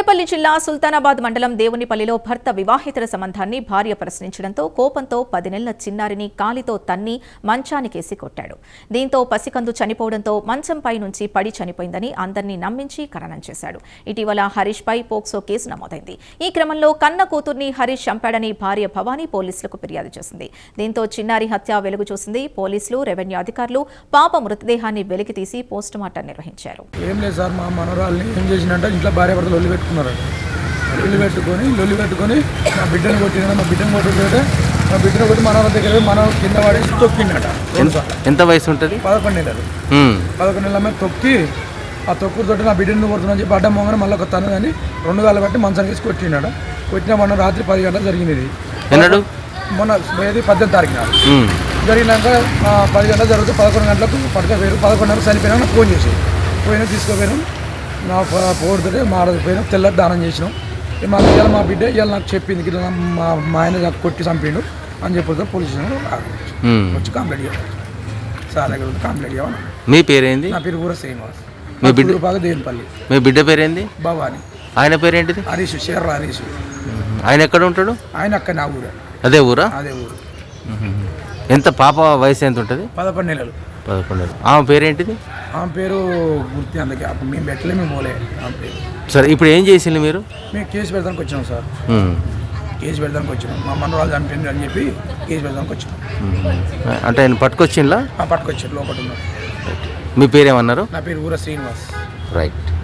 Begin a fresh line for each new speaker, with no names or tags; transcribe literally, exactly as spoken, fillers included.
పెద్దపల్లి జిల్లా సుల్తానాబాద్ మండలం దేవునిపల్లిలో భర్త వివాహేతర సంబంధాన్ని భార్య ప్రశ్నించడంతో కోపంతో పది నెలల చిన్నారిని కాలితో తన్ని మంచానికేసి కొట్టాడు. దీంతో పసికందు చనిపోవడంతో మంచంపై నుంచి పడి చనిపోయిందని అందరినీ నమ్మించి ఖననం చేశాడు. ఇటీవల హరీష్ పై పోక్సో కేసు నమోదైంది. ఈ క్రమంలో కన్న కూతుర్ని హరీష్ చంపాడని భార్య భవానీ పోలీసులకు ఫిర్యాదు చేసింది. దీంతో చిన్నారి హత్య వెలుగు చూసింది. పోలీసులు, రెవెన్యూ అధికారులు పాప మృతదేహాన్ని వెలికితీసి పోస్టుమార్టం నిర్వహించారు.
ఏం లేదు సార్, మా మనవరాల్ని ఏం చేసినట్టే ఇంట్లో భార్య భర్తలు లొల్లి పెట్టుకున్నారు. లొల్లి పెట్టుకొని లొల్లి పెట్టుకొని మా బిడ్డను కొట్టిన మా బిడ్డను కొట్టితే మా బిడ్డను కొట్టి మనవరాల దగ్గర మన కింద పడేసి తొక్కిండట.
ఎంత వయసు ఉంటుంది?
పదకొండు నెలలు. పదకొండు నెలల మీద తొక్కి ఆ తొక్కుతో నా బిడ్డను కొడుతున్నా చెప్పి అడ్డం మొంగని మళ్ళీ ఒక తను కానీ రెండు వేల బట్టి మంచానికి వేసి కొట్టిండట. కొట్టిన మొన్న రాత్రి పది గంటలకు జరిగింది. ఇది మొన్న ఏది పద్దెనిమిది తారీఖున జరిగినాక పది గంటలకు జరిగితే పదకొండు గంటలకు పడుకోపోయారు. పదకొండు గంటలకు చనిపోయినా నాకు ఫోన్ చేసి పోయినా తీసుకోపోయాను. నా పోడుతుంటే మాడకపోయినా తెల్లకి దానం చేసినాం. మా ఇవాళ మా బిడ్డ ఇవాళ నాకు చెప్పింది ఇట్లా మా మా ఆయన నాకు కొట్టి చంపిండు అని చెప్పి పోలీస్ స్టేషన్ వచ్చి కంప్లైంట్ చేయాలి. సార్ దగ్గర కంప్లైంట్ చేయాలి.
మీ పేరేంది?
నా పేరు కూడా శ్రీనివాస్.
మీ బిడ్డ
బాగా దేవునిపల్లి.
మీ బిడ్డ పేరేంది?
భవాని.
ఆయన పేరేంటిది?
హరీష్, షేర్ల హరీష్.
ఆయన ఎక్కడ ఉంటాడు?
ఆయన అక్క నా ఊరే.
అదే ఊరా?
అదే ఊరు.
ఎంత పాప వయసు ఎంత ఉంటుంది?
పదకొండు నెలలు.
పదకొండు నెలలు. ఆమె పేరేంటిది?
ఆమె పేరు గుర్తి అందుకే అప్పుడు మేము పెట్టలే, మేము పోలే ఆమె పేరు.
సరే, ఇప్పుడు ఏం చేసింది మీరు?
మేము కేసు పెడతానికి వచ్చినాం సార్. కేసు పెడతానికి వచ్చినాం. మా మనవరాలు చనిపోయింది అని చెప్పి కేసు పెడతానికి వచ్చినాం.
అంటే ఆయన పట్టుకొచ్చిందా?
పట్టుకొచ్చారు, లోపల ఉన్నారు.
మీ పేరేమన్నారు?
నా పేరు ఊర శ్రీనివాస్.
రైట్.